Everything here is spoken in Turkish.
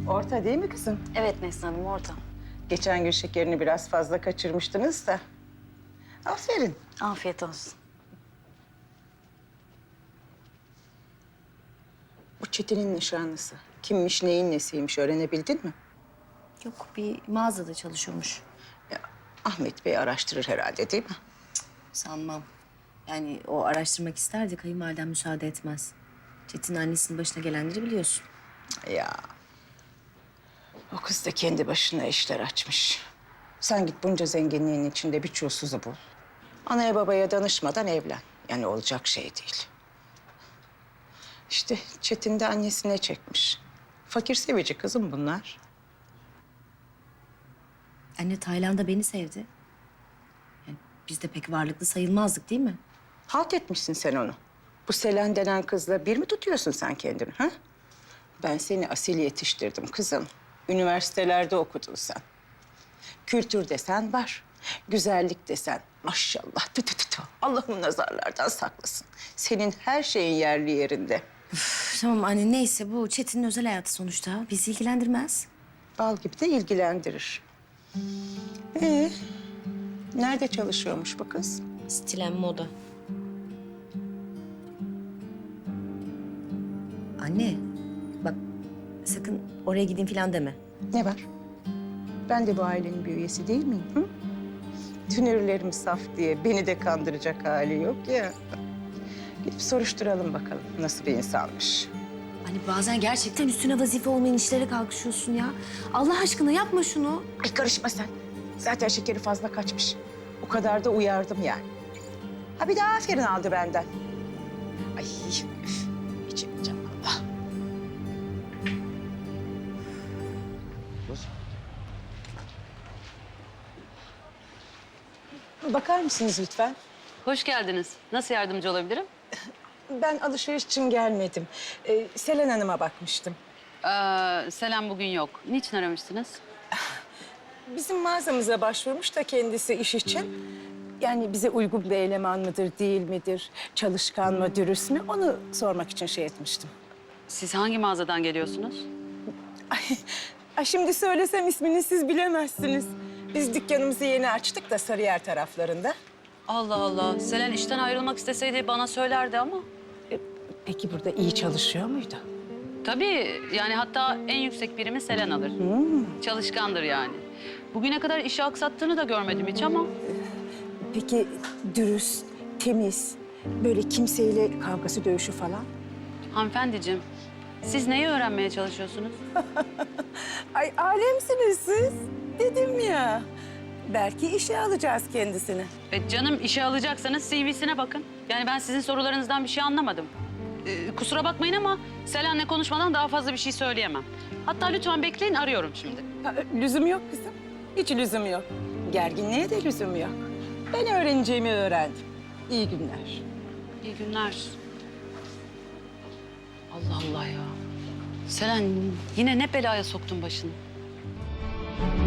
Orta değil mi kızım? Evet Neslihan Hanım, orada. Geçen gün şekerini biraz fazla kaçırmıştınız da. Aferin. Afiyet olsun. Bu Çetin'in nişanlısı. Kimmiş, neyin nesiymiş öğrenebildin mi? Yok, bir mağazada çalışıyormuş. Ya, Ahmet Bey araştırır herhalde değil mi? Sanmam. Yani o araştırmak isterdi, kayınvaliden müsaade etmez. Çetin annesinin başına gelenleri biliyorsun. Ya. O kız da kendi başına işler açmış. Sen git bunca zenginliğin içinde bir çulsuzu bul. Anaya babaya danışmadan evlen. Yani olacak şey değil. İşte Çetin de annesine çekmiş. Fakir sevici kızım bunlar. Anne Tayland'da beni sevdi. Yani biz de pek varlıklı sayılmazdık değil mi? Halt etmişsin sen onu. Bu Selen denen kızla bir mi tutuyorsun sen kendini ha? Ben seni asil yetiştirdim kızım. Üniversitelerde okudun sen. Kültür desen var. Güzellik desen maşallah. Tü tü tü tü. Allah'ım nazarlardan saklasın. Senin her şeyin yerli yerinde. Üf, tamam anne, neyse, bu Çetin'in özel hayatı sonuçta. Bizi ilgilendirmez. Bal gibi de ilgilendirir. Nerede çalışıyormuş bu kız? Stilen moda. Anne, bak sakın oraya gideyim falan deme. Ne var? Ben de bu ailenin bir üyesi değil miyim? Hı? Tünürlerim saf diye beni de kandıracak hali yok ya. Gidip soruşturalım bakalım nasıl bir insanmış. Hani bazen gerçekten üstüne vazife olmayan işlere kalkışıyorsun ya. Allah aşkına yapma şunu. Ay karışma sen. Zaten şekeri fazla kaçmış. O kadar da uyardım yani. Ha bir de aferin aldı benden. Ay üf, içemeyeceğim valla. Bakar mısınız lütfen? Hoş geldiniz. Nasıl yardımcı olabilirim? Ben alışveriş için gelmedim. Selen Hanım'a bakmıştım. Selam bugün yok. Niçin aramıştınız? Bizim mağazamıza başvurmuş da kendisi iş için. Yani bize uygun bir eleman mıdır, değil midir? Çalışkan mı, dürüst mü? Onu sormak için şey etmiştim. Siz hangi mağazadan geliyorsunuz? Ay şimdi söylesem ismini siz bilemezsiniz. Biz dükkanımızı yeni açtık da Sarıyer taraflarında. Allah Allah. Selen işten ayrılmak isteseydi bana söylerdi ama. Peki burada iyi çalışıyor muydu? Tabii yani hatta en yüksek birimi Selen alır. Çalışkandır yani. Bugüne kadar işi aksattığını da görmedim hiç ama. Peki dürüst, temiz, böyle kimseyle kavgası, dövüşü falan? Hanımefendiciğim, siz neyi öğrenmeye çalışıyorsunuz? Ay alemsiniz siz. Dedim ya. Belki işe alacağız kendisini. Canım işe alacaksanız CV'sine bakın. Yani ben sizin sorularınızdan bir şey anlamadım. Kusura bakmayın ama Selen'le konuşmadan daha fazla bir şey söyleyemem. Hatta lütfen bekleyin, arıyorum şimdi. Lüzum yok kızım. Hiç lüzum yok. Gerginliğe de lüzum yok. Ben öğreneceğimi öğrendim. İyi günler. İyi günler. Allah Allah ya. Selen yine ne belaya soktun başını?